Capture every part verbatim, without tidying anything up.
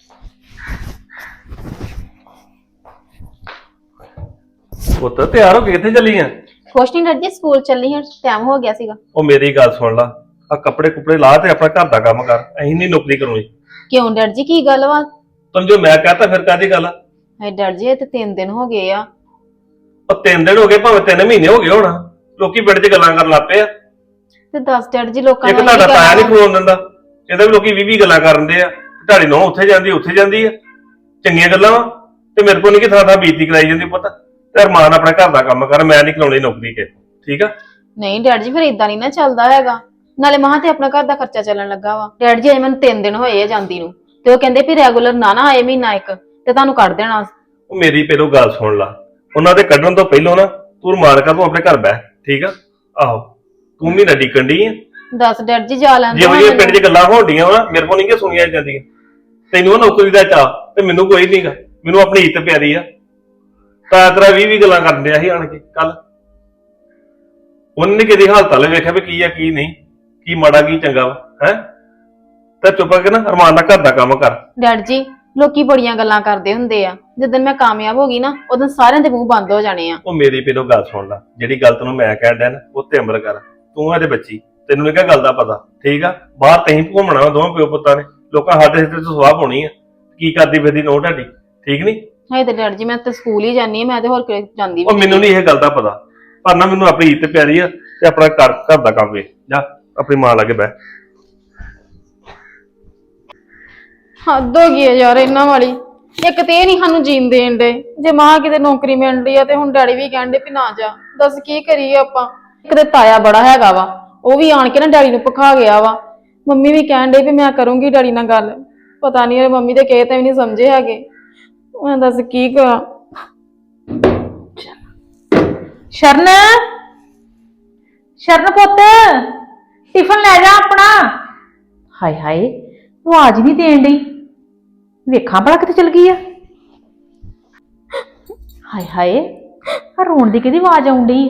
ਪੁੱਤ ਤਿਆਰ ਹੋ ਕੇ ਕਿੱਥੇ ਚੱਲੀ ਆ? ਕੁਛ ਨਹੀਂ ਡਰ ਜੀ, ਸਕੂਲ ਚੱਲੀ ਹਾਂ, ਟਾਈਮ ਹੋ ਗਿਆ ਸੀਗਾ। ਉਹ ਮੇਰੀ ਗੱਲ ਸੁਣ ਲਾ, ਆ ਕੱਪੜੇ ਕੁਪੜੇ ਲਾ ਤੇ ਆਪਣਾ ਘਰ ਦਾ ਕੰਮ ਕਰ। ਅਸੀਂ ਨਹੀਂ ਨੌਕਰੀ ਕਰੂਗੀ। ਕਿਉਂ ਡਰ ਜੀ, ਕੀ ਗੱਲ ਵਾ? ਤੈਨੂੰ ਜੋ ਮੈਂ ਕਹਤਾ ਫਿਰ ਕਾਹਦੀ ਗੱਲ ਆ? ਹੈ ਡਰ ਜੀ, ਇਹ ਤੇ ਤਿੰਨ ਦਿਨ ਹੋ ਗਏ ਆ। ਉਹ ਤਿੰਨ ਦਿਨ ਹੋ ਗਏ, ਭਾਵੇਂ ਤਿੰਨ ਮਹੀਨੇ ਹੋ ਗਏ ਹੋਣਾ। ਲੋਕੀ ਪਿੰਡ 'ਚ ਗੱਲਾਂ ਕਰਨ ਲੱਗ ਪਏ ਆ। ਤੇ ਦੱਸ ਡਰ ਜੀ, ਲੋਕਾਂ ਇੱਕ ਤੁਹਾਡਾ ਤਾਇਆ ਨਹੀਂ ਖਲੋਣ ਦਿੰਦਾ, ਇਹਦਾ ਵੀ ਲੋਕੀ ਵੀਹ ਵੀਹ ਗੱਲਾਂ ਕਰਨ ਦੇ ਆ। ਤੁਹਾਡੀ ਨੌਂ ਉੱਥੇ ਜਾਂਦੀ ਉੱਥੇ ਜਾਂਦੀ ਆ, ਚੰਗੀਆਂ ਗੱਲਾਂ ਵਾ। ਤੇ ਮੇਰੇ ਕੋਲ ਨਹੀਂ ਕਿ ਥਾਂ ਥਾਂ ਬੀਤੀ ਕਰਾਈ ਜਾਂਦੀ। ਪੁੱਤ ਤੇ ਅਰਮਾਨ ਆਪਣੇ ਘਰ ਦਾ ਕੰਮ ਕਰ, ਮੈਂ ਨਹੀਂ ਕਰਾਉਣੀ ਨੌਕਰੀ ਕੇ, ਠੀਕ ਆ? ਨਹੀਂ ਡਰ ਜੀ, ਫਿਰ ਇਦਾਂ ਨਹੀਂ ਨਾ ਚੱਲਦਾ ਹੈਗਾ। ਨਾਲੇ ਮਹਾਂ ਤੇ ਆਪਣਾ ਘਰ ਦਾ ਖਰਚਾ ਚੱਲਣ ਲੱਗਾ ਵਾ। ਡਰ ਜੀ ਅਜੇ ਮੈਨੂੰ ਤਿੰਨ ਦਿਨ ਹੋਏ ਆ ਜਾਂਦੀ ਨੂੰ, ਤੇ ਉਹ ਕਹਿੰਦੇ ਵੀ ਰੈਗੂਲਰ ਨਾ ਨਾ ਆਏ ਮਹੀਨਾ ਇੱਕ ਤੇ ਤੁਹਾਨੂੰ ਕੱਢ ਦੇਣਾ। ਉਹ ਮੇਰੀ ਪਹਿਲੋਂ ਗੱਲ ਸੁਣ ਲਾ, ਉਹਨਾਂ ਦੇ ਕੱਢਣ ਤੋਂ ਪਹਿਲਾਂ ਨਾ ਤੂੰ ਮਾਰ ਕਰ, ਤੂੰ ਆਪਣੇ ਘਰ ਬਹਿ, ਠੀਕ ਆ? ਆਹੋ, ਤੂੰ ਵੀ ਨਾ ਡਿੱਕਣ ਡਈ ਆ। ਦੱਸ ਡਰ ਜੀ, ਜਾ ਲੈਂਦੇ ਜਿਹੋ ਜਿਹੀਆਂ ਪਿੰਡ 'ਚ ਗੱਲਾਂ ਹੋਣਡੀਆਂ ਵਾ ਮੇਰੇ ਕੋਲ ਨਹੀਂ ਕਿ ਸੁਣੀਆਂ ਜਾਂਦੀਆਂ। ਤੈਨੂੰ ਉਹ ਨੌਕਰੀ ਦਾ ਚਾਅ ਤੇ ਮੈਨੂੰ ਕੋਈ ਨਹੀਂਗਾ। ਮੈਨੂੰ ਆਪਣੀ ਇੱਜ਼ਤ ਪਿਆਰੀ ਆ। ਤਾਂ ਤੇਰਾ ਵੀਹ ਵੀਹ ਗੱਲਾਂ ਕਰਨ ਡਿਆ ਸੀ ਆਣ ਕੇ ਕੱਲ। ਉਹਨੇ ਕਿਹਦੀ ਹਾਲਤ ਵਾਲੇ ਵੇਖਿਆ ਵੀ ਕੀ ਆ ਕੀ ਨਹੀਂ, ਕੀ ਮਾੜਾ ਕੀ ਚੰਗਾ ਵਾ, ਹੈ? ਤਾਂ ਚੁੱਪ ਕਰਕੇ ਨਾ ਅਰਮਾਨ ਨਾਲ ਘਰ ਦਾ ਕੰਮ ਕਰ। ਡਰ ਜੀ, ਲੋਕੀ ਬੜੀਆਂ ਗੱਲਾਂ ਕਰਦੇ ਹੁੰਦੇ ਆ। ਜਦੋਂ ਮੈਂ ਕਾਮਯਾਬ ਹੋ ਗਈ ਨਾ, ਉਦੋਂ ਸਾਰਿਆਂ ਦੇ ਮੂੰਹ ਬੰਦ ਹੋ ਜਾਣੇ ਆ। ਉਹ ਮੇਰੀ ਪਹਿਲੋਂ ਗੱਲ ਸੁਣ ਲੈ, ਜਿਹੜੀ ਗੱਲ ਤੈਨੂੰ ਮੈਂ ਕਹਿਣ ਡਿਆ ਨਾ ਉਹ ਤੇ ਅਮਲ ਕਰ। ਤੂੰ ਇਹਦੇ ਬੱਚੀ, ਤੈਨੂੰ ਨਹੀਂ ਕਿਹਾ ਗੱਲ ਦਾ ਪਤਾ, ਠੀਕ ਆ? ਬਾਹਰ ਤਹੀਂ ਘੁੰਮਣਾ ਵਾ ਦੋਵਾਂ ਪਿਓ ਪੁੱਤਾਂ ਨੇ, ਲੋਕਾਂ ਸਾਡੇ ਸਿਰ ਤੋਂ ਸਵਾਹ ਪਾਉਣੀ ਆ। ਕੀ ਕਰਦੀ ਫਿਰਦੀ ਨੋ ਢਾਡੀ, ਠੀਕ ਨਹੀਂ? ਹਾਏ ਤੇ ਡਰ ਜੀ, ਮੈਂ ਤਾਂ ਸਕੂਲ ਹੀ ਜਾਂਦੀ ਆ, ਮੈਂ ਤੇ ਹੋਰ ਕਿਤੇ ਜਾਂਦੀ ਉਹ ਮੈਨੂੰ ਨਹੀਂ ਇਹ ਗੱਲ ਦਾ ਪਤਾ, ਪਰ ਨਾ ਮੈਨੂੰ ਆਪਣੀ ਇੱਜ਼ਤ ਪਿਆਰੀ ਆ ਤੇ ਆਪਣਾ ਘਰ ਘਰ ਦਾ ਕੰਮ ਵੇਖ। ਜਾ ਆਪਣੀ ਮਾਂ ਲਾਗੇ ਬਹਿ। ਹੱਦ ਹੋ ਗਈ ਆ ਯਾਰ ਇਹਨਾਂ ਵਾਲੀ। ਇੱਕ ਤੇ ਇਹ ਨਹੀਂ ਸਾਨੂੰ ਜੀਣ ਦੇਣ ਦੇ, ਜੇ ਮਾਂ ਕਿਤੇ ਨੌਕਰੀ ਮਿਲ ਰਹੀ ਆ ਤੇ ਹੁਣ ਡੈਡੀ ਵੀ ਕਹਿੰਦੇ ਵੀ ਨਾ ਜਾ। ਦੱਸ ਕੀ ਕਰੀਏ ਆਪਾਂ? ਇੱਕ ਤੇ ਤਾਇਆ ਬੜਾ ਹੈਗਾ ਵਾ, ਉਹ ਵੀ ਆਣ ਕੇ ਨਾ ਡੈਡੀ ਨੂੰ ਭਖਾ ਗਿਆ ਵਾ। ਮੰਮੀ ਵੀ ਕਹਿਣ ਦੇ ਵੀ ਮੈਂ ਕਰੂੰਗੀ ਡੈਡੀ ਨਾਲ ਗੱਲ। ਪਤਾ ਨਹੀਂ ਮੰਮੀ ਦੇ ਕਹੇ ਤਾਂ ਵੀ ਨਹੀਂ ਸਮਝੇ ਹੈਗੇ। ਮੈਂ ਦੱਸ ਕੀ ਕਰਾਂ? ਸ਼ਰਨ, ਸ਼ਰਨ ਪੁੱਤ, ਟਿਫਨ ਲੈ ਜਾ ਆਪਣਾ। ਹਾਏ ਹਾਏ, ਤੂੰ ਆਜ ਨਹੀਂ ਦੇਣ ਡਈ। ਵੇਖਾਂ ਭਲਾ ਕਿੱਥੇ ਚਲ ਗਈ ਆ। ਹਾਏ ਹਾਏ, ਆ ਰੋਣ ਦੀ ਕਿਹਦੀ ਆਵਾਜ਼ ਆਉਣ ਡਈ?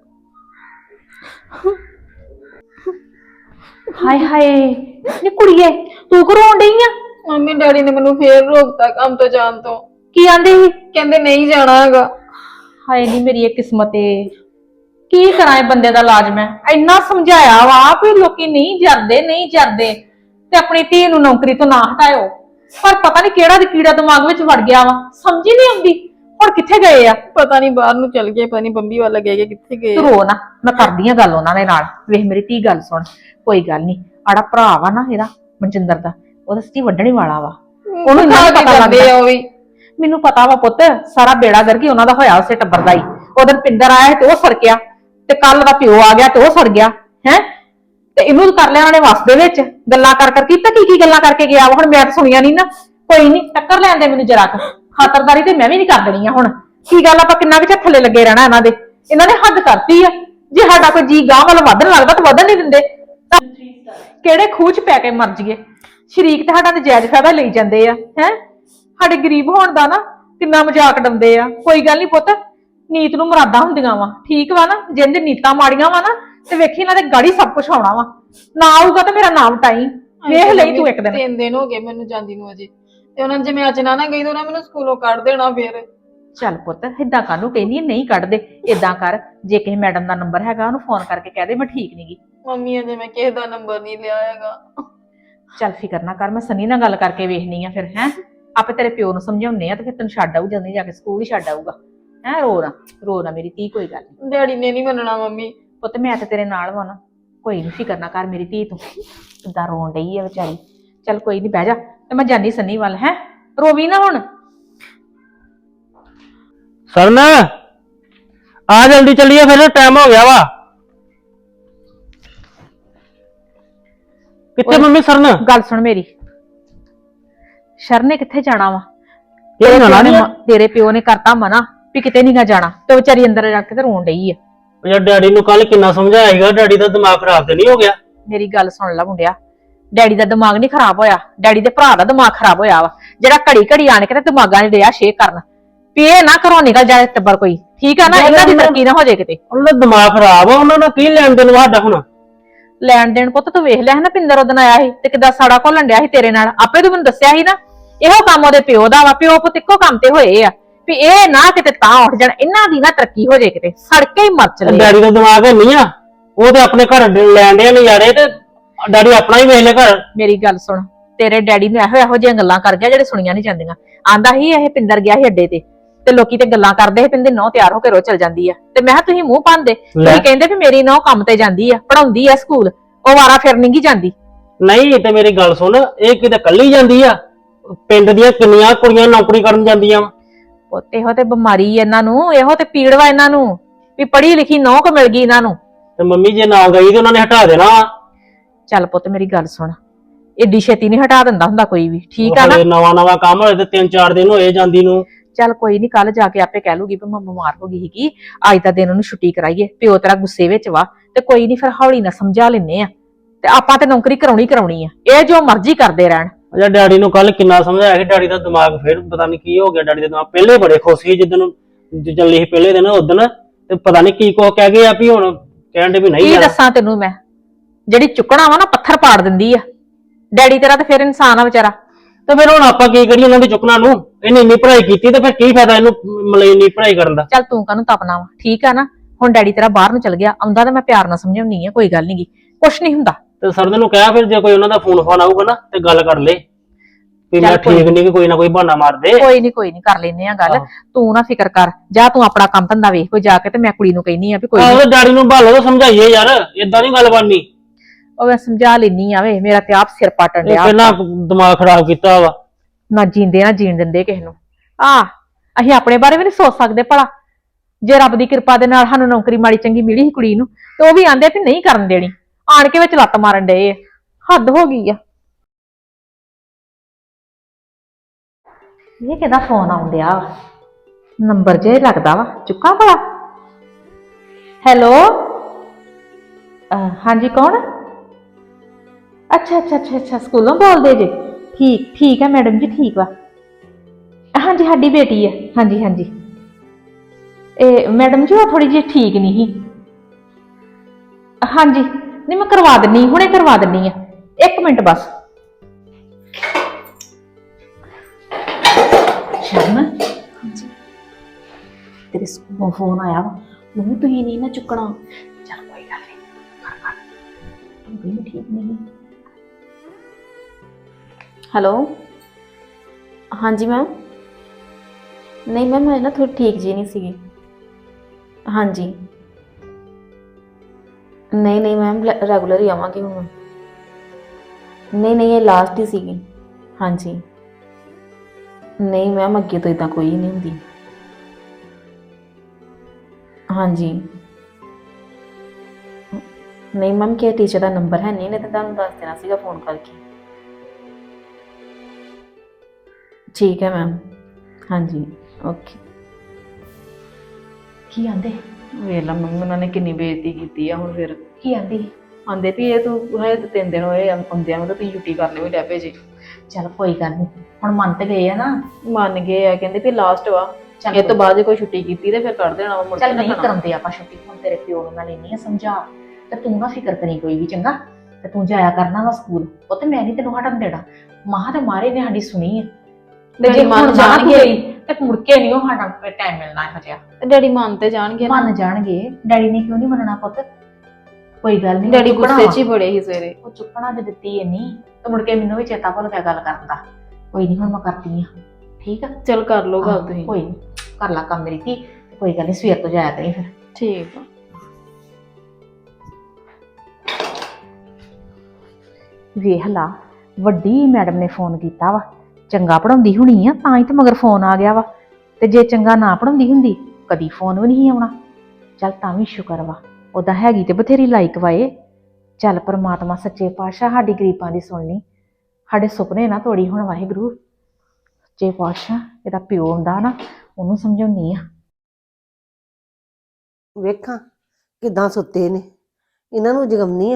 ਹਾਏ ਹਾਏ ਨੀ ਕੁੜੀਏ, ਤੂੰ ਕਿਉਂ ਰੋਣ ਡਈ ਆ? ਮੰਮੀ ਡੈਡੀ ਨੇ ਮੈਨੂੰ ਫੇਰ ਰੋਕਤਾ ਕੰਮ ਤੋਂ ਜਾਣ ਤੋਂ। ਕੀ ਆਂਦੇ ਸੀ? ਕਹਿੰਦੇ ਨਹੀਂ ਜਾਣਾ ਹੈਗਾ। ਹਾਏ ਨੀ ਮੇਰੀ ਇਹ ਕਿਸਮਤ ਏ। ਕੀ ਕਰਾਂ ਇਹ ਬੰਦੇ ਦਾ ਇਲਾਜ? ਮੈਂ ਇੰਨਾ ਸਮਝਾਇਆ ਵਾ ਵੀ ਲੋਕੀ ਨਹੀਂ ਜਰਦੇ ਨਹੀਂ ਜਰਦੇ ਤੇ ਆਪਣੀ ਧੀ ਨੂੰ ਨੌਕਰੀ ਤੋਂ ਨਾ ਹਟਾਇਓ, ਪਰ ਪਤਾ ਨਹੀਂ ਕਿਹੜਾ ਦੀ ਕੀੜਾ ਦਿਮਾਗ ਵਿੱਚ ਵੜ ਗਿਆ ਵਾ। ਸਮਝ ਹੀ ਨਹੀਂ ਆਉਂਦੀ ਹੁਣ ਕਿੱਥੇ ਗਏ ਆ। ਪਤਾ ਨਹੀਂ ਬਾਹਰ ਨੂੰ ਚਲ ਗਏ, ਪਤਾ ਨਹੀਂ ਬੰਬੀ ਵੱਲ ਗਏ ਕਿੱਥੇ ਗਏ। ਤੂੰ ਰੋ ਨਾ, ਮੈਂ ਕਰਦੀ ਆ ਗੱਲ ਉਹਨਾਂ ਦੇ ਨਾਲ। ਵੇਖ ਮੇਰੀ ਧੀ ਗੱਲ ਸੁਣ, ਕੋਈ ਗੱਲ ਨਹੀਂ। ਆੜਾ ਭਰਾ ਵਾ ਨਾ ਇਹਦਾ ਮਨਜਿੰਦਰ ਦਾ, ਉਹਦਾ ਸੱਚੀ ਵੱਢਣੇ ਵਾਲਾ ਵਾ। ਉਹਨੂੰ ਨਾ ਪਤਾ ਲੱਗਦਾ। ਉਹ ਵੀ ਮੈਨੂੰ ਪਤਾ ਵਾ ਪੁੱਤ, ਸਾਰਾ ਬੇੜਾ ਗਰਕੀ ਉਹਨਾਂ ਦਾ ਹੋਇਆ ਉਸੇ ਟੱਬਰ ਦਾ ਹੀ। ਉਹਦਨ ਪਿੰਦਰ ਆਇਆ ਤੇ ਉਹ ਸੜਕਿਆ, ਤੇ ਕੱਲ ਦਾ ਪਿਓ ਆ ਗਿਆ ਤੇ ਉਹ ਸੜ ਗਿਆ ਹੈ। ਤੇ ਇਹਨੂੰ ਕਰ ਲਿਆ ਉਹਨਾਂ ਨੇ ਵਸ ਦੇ ਵਿੱਚ ਗੱਲਾਂ ਕਰ ਕਰ ਕੀਤਾ ਕੀ ਕੀ ਗੱਲਾਂ ਕਰਕੇ ਗਿਆ ਵਾ। ਹੁਣ ਮੈਂ ਤਾਂ ਸੁਣੀਆਂ ਨਹੀਂ ਨਾ। ਕੋਈ ਨਹੀਂ, ਟੱਕਰ ਲੈਣ ਦੇ ਮੈਨੂੰ ਜਰਾ ਕੁ। ਖਾਤਰਦਾਰੀ ਤੇ ਮੈਂ ਵੀ ਨਹੀਂ ਕਰ ਦੇਣੀ ਆ। ਹੁਣ ਕੀ ਗੱਲ, ਆਪਾਂ ਕਿੰਨਾ ਕੁ ਥੱਲੇ ਲੱਗੇ ਰਹਿਣਾ ਇਹਨਾਂ ਦੇ? ਇਹਨਾਂ ਨੇ ਹੱਦ ਕਰਤੀ ਆ। ਜੇ ਸਾਡਾ ਕੋਈ ਜੀ ਗਾਂ ਵੱਲ ਵਧਣ ਲੱਗਦਾ ਤਾਂ ਵਧਣ ਨਹੀਂ ਦਿੰਦੇ। ਕਿਹੜੇ ਖੂਹ ਚ ਪੈ ਕੇ ਮਰ ਜੀਏ। ਸ਼ਰੀਕ ਤੇ ਸਾਡਾ ਨਜਾਇਜ਼ ਫਾਇਦਾ ਲਈ ਜਾਂਦੇ ਆ ਹੈ। ਸਾਡੇ ਗਰੀਬ ਹੋਣ ਦਾ ਨਾ ਕਿੰਨਾ ਮਜ਼ਾਕ ਡਾਉਂਦੇ ਆ। ਕੋਈ ਗੱਲ ਨਹੀਂ ਪੁੱਤ, ਨੀਤ ਨੂੰ ਮੁਰਾਦਾਂ ਹੁੰਦੀਆਂ ਵਾ, ਠੀਕ ਵਾ ਨਾ? ਜਿੰਦੇ ਨੀਤਾਂ ਮਾੜੀਆਂ ਵਾ ਨਾ ਤੇ ਵੇਖੀ ਇਹਨਾਂ ਦੇ ਗਾੜੀ ਸਭ ਕੁਝ ਆਉਣਾ ਵਾ। ਨਾ ਆਊਗਾ ਤੇ ਮੇਰਾ ਨਾਮ ਟਾਈ ਵੇਖ ਲਈ ਤੂੰ ਇੱਕ ਦਿਨ। ਤਿੰਨ ਦਿਨ ਹੋ ਗਏ ਮੈਨੂੰ ਜਾਂਦੀ ਨੂੰ ਅਜੇ, ਤੇ ਉਹਨਾਂ ਜੇ ਮੈਂ ਅੱਜ ਨਾ ਨਾ ਗਈ ਤਾਂ ਉਹਨਾਂ ਮੈਨੂੰ ਸਕੂਲੋਂ ਕੱਢ ਦੇਣਾ ਫੇਰ। ਚੱਲ ਪੁੱਤ, ਏਦਾਂ ਕਾਹਨੂੰ ਕਹਿੰਦੀ ਨਹੀਂ ਕੱਢਦੇ। ਏਦਾਂ ਕਰ, ਜੇ ਕਿਸੇ ਮੈਡਮ ਦਾ ਨੰਬਰ ਹੈਗਾ ਉਹਨੂੰ ਫੋਨ ਕਰਕੇ ਕਹਿ ਦੇ ਮੈਂ ਠੀਕ ਨੀ ਗੀ। ਮੰਮੀ ਅਜੇ ਮੈਂ ਕਿਸੇ ਦਾ ਨੰਬਰ ਨਹੀਂ ਲਿਆ ਹੈਗਾ। ਚੱਲ ਫਿਕਰ ਨਾ ਕਰ, ਮੈਂ ਸਨੀ ਨਾਲ ਗੱਲ ਕਰਕੇ ਵੇਖਣੀ ਆ ਫਿਰ ਹੈ। ਆਪੇ ਤੇਰੇ ਪਿਓ ਨੂੰ ਸਮਝਾਉਣੇ ਆ ਤੇ ਫਿਰ ਤੈਨੂੰ ਛੱਡ ਆਊ, ਜਲਦੀ ਜਾ ਕੇ ਸਕੂਲ ਹੀ ਛੱਡ ਆਊਗਾ ਹੈ। ਰੋ ਨਾ ਰੋ ਨਾ ਮੇਰੀ ਧੀ, ਕੋਈ ਗੱਲ ਨੀ। ਡੈਡੀ ਨੇ ਨਹੀਂ ਮੰਨਣਾ ਮੰਮੀ। ਪੁੱਤ ਮੈਂ ਤੇ ਤੇਰੇ ਨਾਲ ਵਾ ਨਾ, ਕੋਈ ਨੀ ਫਿਕਰ ਨਾ ਕਰ ਮੇਰੀ ਧੀ। ਤੂੰ ਕਿੱਦਾਂ ਰੋਣ ਡਈ ਆ ਵਿਚਾਰੀ। ਚੱਲ ਕੋਈ ਨੀ, ਬਹਿ ਜਾ ਤੇ ਮੈਂ ਜਾਨੀ ਸਨੀ ਵੱਲ ਹੈ। ਰੋਵੀ ਨਾ ਹੁਣ। ਸਰਨ ਆ ਜਲਦੀ ਚੱਲੀਏ, ਫਿਰ ਟਾਈਮ ਹੋ ਗਿਆ ਵਾ। ਕਿੱਥੇ ਮੰਮੀ ਸਰਨ? ਗੱਲ ਸੁਣ ਮੇਰੀ, ਸ਼ਰਨ ਨੇ ਕਿੱਥੇ ਜਾਣਾ ਵਾ? ਇਹ ਜਾਣਾ ਨੀ? ਤੇਰੇ ਪਿਓ ਨੇ ਕਰਤਾ ਮਨਾ ਵੀ ਕਿਤੇ ਨਹੀਂ ਗਾ ਜਾਣਾ, ਤੇ ਵਿਚਾਰੀ ਅੰਦਰ ਜਾ ਕੇ ਤੇ ਰੋਣ ਡਈ ਆ। ਯਾਰ ਡੈਡੀ ਨੂੰ ਕੱਲ ਕਿੰਨਾ ਸਮਝਾਇਆ ਸੀਗਾ, ਡੈਡੀ ਦਾ ਦਿਮਾਗ ਖਰਾਬ ਤੇ ਨਹੀਂ ਹੋ ਗਿਆ? ਮੇਰੀ ਗੱਲ ਸੁਣ ਲੈ ਮੁੰਡਿਆ, ਡੈਡੀ ਦਾ ਦਿਮਾਗ ਨਹੀਂ ਖਰਾਬ ਹੋਇਆ, ਡੈਡੀ ਦੇ ਭਰਾ ਦਾ ਦਿਮਾਗ ਖਰਾਬ ਹੋਇਆ ਵਾ, ਜਿਹੜਾ ਘੜੀ ਘੜੀ ਆਣ ਕੇ ਤੇ ਦਿਮਾਗਾਂ 'ਚ ਡਿਆ ਸ਼ੇਕ ਕਰਨ ਵੀ ਇਹ ਨਾ ਘਰੋਂ ਨਿਕਲ ਜਾਏ ਟੱਬਰ ਕੋਈ, ਠੀਕ ਆ ਨਾ? ਇਹਨਾਂ ਦੀ ਤਰੱਕੀ ਨਾ ਹੋ ਜਾਏ ਕਿਤੇ। ਉਹਨਾਂ ਦਾ ਦਿਮਾਗ ਖਰਾਬ ਆ, ਉਹਨਾਂ ਨਾਲ ਕੀ ਲੈਣ ਦੇਣ ਸਾਡਾ ਹੁਣ? ਲੈਣ ਦੇਣ ਪੁੱਤ ਤੂੰ ਵੇਖ ਲਿਆ ਹੈ ਨਾ, ਪਿੰਦਰ ਉਹਦਨ ਆਇਆ ਸੀ ਤੇ ਕਿੱਦਾਂ ਸਾੜਾ ਘੋਲਣ ਡਿਆ ਸੀ ਤੇਰੇ ਨਾਲ। ਆਪੇ ਤੂੰ ਮੈਨੂੰ ਦੱਸਿਆ ਸੀ ਨਾ ਇਹੋ ਕੰਮ ਉਹਦੇ ਪਿਓ ਦਾ ਵਾ, ਪਿਓ ਪੁੱਤ ਇੱਕੋ ਕੰਮ ਤੇ ਹੋਏ ਆ ਵੀ ਇਹ ਨਾ ਕਿਤੇ ਤਾਂ ਉੱਠ ਜਾਣ, ਇਹਨਾਂ ਦੀ ਨਾ ਤਰੱਕੀ ਹੋ ਜੇ ਕਿਤੇ, ਸੜਕੇ ਹੀ ਮਰ ਚਲੇ। ਡੈਡੀ ਦਾ ਦਿਮਾਗ ਹੈ ਨਹੀਂ ਆ, ਉਹ ਤੇ ਆਪਣੇ ਘਰ ਲੈਣ ਦੇ ਨਜ਼ਾਰੇ ਤੇ ਡੈਡੀ ਆਪਣਾ ਹੀ ਵੇਖ ਲੈ ਘਰ। ਮੇਰੀ ਗੱਲ ਸੁਣ, ਤੇਰੇ ਡੈਡੀ ਨੇ ਇਹੋ ਇਹੋ ਜਿਹੀਆਂ ਗੱਲਾਂ ਕਰ ਗਿਆ ਜਿਹੜੇ ਸੁਣੀਆਂ ਨਹੀਂ ਜਾਂਦੀਆਂ। ਆਂਦਾ ਹੀ ਇਹ ਪਿੰਦਰ ਗਿਆ ਸੀ ਅੱਡੇ ਤੇ ਤੇ ਲੋਕੀ ਤੇ ਗੱਲਾਂ ਕਰਦੇ ਸੀ ਪਿੰਦੇ ਨਹੁੰ ਤਿਆਰ ਹੋ ਕੇ ਰੋ ਚਲ ਜਾਂਦੀ ਆ, ਤੇ ਮੈਂ ਕਿਹਾ ਤੁਸੀਂ ਮੂੰਹ ਪਾਉਂਦੇ, ਤੁਸੀਂ ਕਹਿੰਦੇ ਵੀ ਮੇਰੀ ਨਹੁੰ ਕੰਮ ਤੇ ਜਾਂਦੀ ਆ, ਪੜਾਉਂਦੀ ਆ ਸਕੂਲ, ਉਹ ਵਾਰਾ ਫਿਰ ਨਹੀਂ ਗੀ ਜਾਂਦੀ। ਨਹੀਂ ਤੇ ਮੇਰੀ ਗੱਲ ਸੁਣ, ਇਹ ਕਿਤੇ ਕੱਲੀ ਜਾਂਦੀ ਆ, ਪਿੰਡ ਦੀਆਂ ਕਿੰਨੀਆਂ ਕੁੜੀਆਂ ਨੌਕਰੀ ਕਰਨ ਜਾਂਦੀਆਂ ਵਾ। ਪੁੱਤ ਇਹੋ ਤੇ ਬਿਮਾਰੀ ਇਹਨਾਂ ਨੂੰ, ਇਹੋ ਤੇ ਪੀੜ ਵਾ ਇਹਨਾਂ ਨੂੰ ਵੀ ਪੜ੍ਹੀ ਲਿਖੀ ਨਹੁੰ ਕ ਮਿਲ ਗਈ ਇਹਨਾਂ ਨੂੰ। ਤੇ ਮੰਮੀ ਜੇ ਨਾ ਗਈ ਤੇ ਉਹਨਾਂ ਨੇ ਹਟਾ ਦੇਣਾ। ਚੱਲ ਪੁੱਤ ਮੇਰੀ ਗੱਲ ਸੁਣ, ਏਡੀ ਛੇਤੀ ਨਹੀਂ ਹਟਾ ਦਿੰਦਾ ਹੁੰਦਾ ਕੋਈ ਵੀ, ਠੀਕ ਆ ਨਾ। ਨਵਾਂ ਨਵਾਂ ਕੰਮ ਹੋਏ ਤੇ ਤਿੰਨ ਚਾਰ ਦਿਨ ਹੋਏ ਜਾਂਦੀ ਨੂੰ। ਚੱਲ ਕੋਈ ਨਹੀਂ, ਕੱਲ ਜਾ ਕੇ ਆਪੇ ਕਹਿ ਲੂਗੀ ਵੀ ਮੈਂ ਬਿਮਾਰ ਹੋ ਗਈ ਸੀਗੀ, ਅੱਜ ਦਾ ਦਿਨ ਉਹਨੂੰ ਛੁੱਟੀ ਕਰਾਈਏ, ਪਿਓ ਤੇਰਾ ਗੁੱਸੇ ਵਿੱਚ ਵਾ, ਤੇ ਕੋਈ ਨਹੀਂ ਫਿਰ ਹੌਲੀ ਨਾਲ ਸਮਝਾ ਲੈਨੇ ਆ, ਤੇ ਆਪਾਂ ਤੇ ਨੌਕਰੀ ਕਰਾਉਣੀ ਕਰਾਉਣੀ ਆ, ਇਹ ਜੋ ਮਰਜ਼ੀ ਕਰਦੇ ਰਹਿਣ। ਅਜਾ ਡੈਡੀ ਨੂੰ ਕੱਲ ਕਿੰਨਾ ਸਮਝਾਇਆ ਕਿ ਡੈਡੀ ਦਾ ਦਿਮਾਗ ਫਿਰ ਪਤਾ ਨਹੀਂ ਕੀ ਹੋ ਗਿਆ। ਡੈਡੀ ਦਾ ਦਿਮਾਗ ਪਹਿਲੇ ਬੜੇ ਖੁਸ਼ ਸੀ ਜਿੱਦਣ ਚੱਲੀ ਸੀ ਪਹਿਲੇ ਦਿਨ ਉਦਣ, ਤੇ ਪਤਾ ਨਹੀਂ ਕੀ ਕੁਛ ਕਹਿ ਗਏ ਆ ਵੀ ਹੁਣ ਕਹਿਣ ਦੇ ਵੀ ਨਹੀਂ ਕੀ ਜਾਣਾ। ਦੱਸਾਂ ਤੈਨੂੰ ਮੈਂ, ਜਿਹੜੀ ਚੁੱਕਣਾ ਵਾ ਨਾ ਪੱਥਰ ਪਾੜ ਦਿੰਦੀ ਆ। ਡੈਡੀ ਤੇਰਾ ਤੇ ਫਿਰ ਇਨਸਾਨ ਆ ਵਿਚਾਰਾ। ਤੇ ਫਿਰ ਹੁਣ ਆਪਾਂ ਕੀ ਕਰੀਏ ਉਹਨਾਂ ਦੀ ਚੁੱਕਣਾ ਨੂੰ? ਇਹਨੇ ਇੰਨੀ ਪੜ੍ਹਾਈ ਕੀਤੀ ਤੇ ਫਿਰ ਕੀ ਫਾਇਦਾ ਇਹਨੂੰ ਮਤਲਬ ਇੰਨੀ ਪੜ੍ਹਾਈ ਕਰਨ ਦਾ? ਚੱਲ ਤੂੰ ਕਾਹਨੂੰ ਤਪਨਾ ਵਾ, ਠੀਕ ਆ ਨਾ। ਹੁਣ ਡੈਡੀ ਤੇਰਾ ਬਾਹਰ ਨੂੰ ਚਲ ਗਿਆ, ਆਉਂਦਾ ਤਾਂ ਮੈਂ ਪਿਆਰ ਨਾਲ ਸਮਝਾਉਣੀ ਆ, ਕੋਈ ਗੱਲ ਨੀ ਗੀ, ਕੁਛ ਨਹੀਂ ਹੁੰਦਾ। ਤੇ ਸਰ ਨੂੰ ਕਿਹਾ ਫਿਰ ਜੇ ਕੋਈ ਉਹਨਾਂ ਦਾ ਫੋਨ ਫੋਨ ਆਊਗਾ ਨਾ ਤੇ ਗੱਲ ਕਰ ਲੈ ਵੀ ਮੈਂ ਠੀਕ ਨਹੀਂ ਕਿ ਕੋਈ ਨਾ ਕੋਈ ਬਹਾਨਾ ਮਾਰ ਦੇ। ਕੋਈ ਨਹੀਂ ਕੋਈ ਨਹੀਂ ਕਰ ਲੈਨੇ ਆ ਗੱਲ, ਤੂੰ ਨਾ ਫਿਕਰ ਕਰ, ਜਾ ਤੂੰ ਆਪਣਾ ਕੰਮ ਧੰਦਾ ਵੇਖ ਕੋਈ ਜਾ ਕੇ, ਤੇ ਮੈਂ ਕੁੜੀ ਨੂੰ ਕਹਿਨੀ ਆ ਵੀ ਕੋਈ ਆਹੋ ਡੈਡੀ ਨੂੰ ਭਾਲੋ ਤਾਂ ਸਮਝਾਈਏ ਯਾਰ, ਏਦਾਂ ਨਹੀਂ ਗੱਲ ਬਣਨੀ। ਉਹ ਮੈਂ ਸਮਝਾ ਲੈਨੀ ਆ ਵੇ, ਮੇਰਾ ਤੇ ਆਪ ਸਿਰ ਪਾਟਣ ਇਹ ਲਿਆ। ਪਹਿਲਾਂ ਦਿਮਾਗ ਖਰਾਬ ਕੀਤਾ ਵਾ। ਨਾ ਜੀਂਦੇ ਨਾ ਜੀਣ ਦਿੰਦੇ ਕਿਸੇ ਨੂੰ। ਆ ਅਸੀਂ ਆਪਣੇ ਬਾਰੇ ਵੀ ਨਹੀਂ ਸੋਚ ਸਕਦੇ ਭਲਾ, ਜੇ ਰੱਬ ਦੀ ਕਿਰਪਾ ਦੇ ਨਾਲ ਸਾਨੂੰ ਨੌਕਰੀ ਮਾੜੀ ਚੰਗੀ ਮਿਲੀ ਸੀ ਕੁੜੀ ਨੂੰ, ਤੇ ਉਹ ਵੀ ਆਂਦੇ ਵੀ ਨਹੀਂ ਕਰਨ ਦੇਣੀ, ਆਣ ਕੇ ਵਿੱਚ ਲੱਤ ਮਾਰਨ ਡਏ। ਹੱਦ ਹੋ ਗਈ ਆ। ਇਹ ਕਿਹਦਾ ਫੋਨ ਆਉਣ ਡਿਆ? ਨੰਬਰ ਜੇ ਲੱਗਦਾ ਵਾ, ਚੁੱਕਾ ਭਲਾ। ਹੈਲੋ, ਹਾਂਜੀ ਕੌਣ? ਅੱਛਾ ਅੱਛਾ ਅੱਛਾ ਅੱਛਾ, ਸਕੂਲੋਂ ਬੋਲਦੇ ਜੇ? ਠੀਕ ਠੀਕ ਹੈ ਮੈਡਮ ਜੀ, ਠੀਕ ਵਾ। ਹਾਂਜੀ ਸਾਡੀ ਬੇਟੀ ਹੈ, ਹਾਂਜੀ ਹਾਂਜੀ। ਇਹ ਮੈਡਮ ਜੀ ਉਹ ਥੋੜੀ ਜਿਹੀ ਠੀਕ ਨਹੀਂ ਸੀ। ਹਾਂਜੀ ਨਹੀਂ ਮੈਂ ਕਰਵਾ ਦਿੰਨੀ, ਹੁਣੇ ਕਰਵਾ ਦਿੰਨੀ ਆ, ਇੱਕ ਮਿੰਟ ਬਸ। ਸ਼ਰਮ, ਹਾਂਜੀ ਤੇਰੇ ਸਕੂਲੋਂ ਫੋਨ ਆਇਆ ਵਾ, ਮੰਮੀ ਤੁਸੀਂ ਨਹੀਂ ਨਾ ਚੁੱਕਣਾ। ਚੱਲ ਕੋਈ ਗੱਲ ਨਹੀਂ, ਕਰ ਕਰ, ਤੂੰ ਵੀ ਠੀਕ ਨਹੀਂ। ਹੈਲੋ, ਹਾਂਜੀ ਮੈਮ। ਨਹੀਂ ਮੈਮ ਮੈਂ ਨਾ ਥੋੜੀ ਠੀਕ ਜੀ ਨਹੀਂ ਸੀਗੀ। ਹਾਂਜੀ ਨਹੀਂ ਨਹੀਂ ਮੈਮ ਰੈਗੂਲਰ ਹੀ ਆਵਾਂਗੀ ਹੁਣ। ਨਹੀਂ ਨਹੀਂ ਇਹ ਲਾਸਟ ਹੀ ਸੀਗੀ। ਹਾਂਜੀ ਨਹੀਂ ਮੈਮ ਅੱਗੇ ਤੋਂ ਇਦਾਂ ਕੋਈ ਨਹੀਂ ਹੁੰਦੀ। ਹਾਂਜੀ ਨਹੀਂ ਮੈਮ ਕਿ ਟੀਚਰ ਦਾ ਨੰਬਰ ਹੈ ਨਹੀਂ, ਨਹੀਂ ਤਾਂ ਤੁਹਾਨੂੰ ਦੱਸ ਦੇਣਾ ਸੀਗਾ ਫੋਨ ਕਰਕੇ। ਠੀਕ ਹੈ ਮੈਮ, ਹਾਂਜੀ ਓਕੇ। ਕੀ ਆਂਦੇ? ਵੇਖ ਲਾ ਮੰਮੀ ਉਹਨਾਂ ਨੇ ਕਿੰਨੀ ਬੇਇੱਜ਼ਤੀ ਕੀਤੀ ਆ। ਹੁਣ ਫਿਰ ਕੀ ਆਂਦੀ? ਆਂਦੇ ਵੀ ਇਹ ਤੂੰ ਹੈ ਤਿੰਨ ਦਿਨ ਹੋਏ ਆਉਂਦਿਆਂ ਨੂੰ, ਤਾਂ ਤੁਸੀਂ ਛੁੱਟੀ ਕਰਨੇ ਵੀ ਡੈ ਪਏ ਜੀ। ਚੱਲ ਕੋਈ ਗੱਲ ਨਹੀਂ, ਹੁਣ ਮੰਨ ਤੇ ਗਏ ਆ ਨਾ। ਮੰਨ ਗਏ ਆ, ਕਹਿੰਦੇ ਵੀ ਲਾਸਟ ਵਾ, ਚੱਲ ਇਹ ਤੋਂ ਬਾਅਦ ਜੇ ਕੋਈ ਛੁੱਟੀ ਕੀਤੀ ਤੇ ਫਿਰ ਕਰ ਦੇਣਾ ਵਾ ਮੁੜ ਕੇ। ਚੱਲ ਨਹੀਂ ਰੱਖਣਾ। ਕਰਾਉਂਦੇ ਆਪਾਂ ਛੁੱਟੀ, ਹੁਣ ਤੇਰੇ ਪਿਓ ਨੂੰ ਮੈਂ ਲੈਣੀ ਆ ਸਮਝਾ, ਤੇ ਤੂੰ ਨਾ ਫਿਕਰ ਕਰੀ ਕੋਈ ਵੀ, ਚੰਗਾ? ਤੇ ਤੂੰ ਜਾਇਆ ਕਰਨਾ ਵਾ ਸਕੂਲ, ਉਹ ਤੇ ਮੈਂ ਨਹੀਂ ਤੈਨੂੰ ਹਟਣ ਦੇਣਾ। ਮਾਂ ਤੇ ਮਾਰੇ ਨੇ ਸਾਡੀ ਸੁਣੀ ਆ, ਤੇ ਜੇ ਮੰਨ ਜਾਣਗੇ ਤੇ ਮੁੜ ਕੇ ਨਹੀਂ ਉਹ ਸਾਡਾ ਟਾਈਮ ਮਿਲਣਾ ਇਹੋ ਜਿਹਾ। ਡੈਡੀ ਮੰਨ ਤੇ ਜਾਣਗੇ ਨਾ। ਮੰਨ ਜਾਣਗੇ, ਡੈਡੀ ਨੇ ਕਿਉਂ ਨਹੀਂ ਮੰਨਣਾ ਪੁੱਤ? ਕੋਈ ਗੱਲ ਨਹੀਂ, ਡੈਡੀ ਗੁੱਸੇ 'ਚ ਹੀ ਬੜੇ ਸੀ ਸਵੇਰੇ। ਉਹ ਚੁੱਕਣਾ ਜੇ ਦਿੱਤੀ ਐ ਨਹੀਂ, ਤੇ ਮੁੜ ਕੇ ਮੈਨੂੰ ਵੀ ਚੇਤਾ ਭੁੱਲ ਗਿਆ ਗੱਲ ਕਰਨ ਦਾ। ਕੋਈ ਨਹੀਂ, ਹੁਣ ਮੈਂ ਕਰਦੀ ਆ, ਠੀਕ ਆ? ਚਲ ਕਰ ਲਓ ਗੱਲ ਤੁਸੀਂ। ਕੋਈ ਨਹੀਂ, ਕਰ ਲਾ ਕੰਮ ਮੇਰੀ ਧੀ, ਕੋਈ ਗੱਲ ਨਹੀਂ, ਸਵੇਰ ਤੋਂ ਜਾਇਆ ਕਰੀ ਫਿਰ। ਠੀਕ ਆ। ਵੇਖ ਲਾ, ਵੱਡੀ ਮੈਡਮ ਨੇ ਫੋਨ ਕੀਤਾ ਵਾ, ਚੰਗਾ ਪੜਾਉਂਦੀ ਹੋਣੀ ਆ ਤਾਂ ਹੀ ਤੇ ਮਗਰ ਫੋਨ ਆ ਗਿਆ ਵਾ, ਤੇ ਜੇ ਚੰਗਾ ਨਾ ਪੜਾਉਂਦੀ ਹੁੰਦੀ ਕਦੀ ਫੋਨ ਵੀ ਨਹੀਂ ਆਉਣਾ। ਚੱਲ ਤਾਂ ਵੀ ਸ਼ੁਕਰ ਵਾ, ਉਹਦਾ ਹੈਗੀ ਤੇ ਬਥੇਰੀ ਲਾਇਕ ਵਾਏ। ਚੱਲ ਪਰਮਾਤਮਾ ਸੱਚੇ ਪਾਤਸ਼ਾਹ ਸਾਡੀ ਗਰੀਬਾਂ ਦੀ ਸੁਣਨੀ, ਸਾਡੇ ਸੁਪਨੇ ਨਾ ਤੋੜੀ ਹੁਣ ਵਾਹਿਗੁਰੂ। ਸੱਚੇ ਪਾਤਸ਼ਾਹ ਇਹਦਾ ਪਿਓ ਹੁੰਦਾ ਨਾ, ਉਹਨੂੰ ਸਮਝਾਉਣੀ ਆ। ਵੇਖਾਂ ਕਿਦਾਂ ਸੁੱਤੇ ਨੇ, ਇਹਨਾਂ ਨੂੰ ਜਗਮਨੀ ਆ।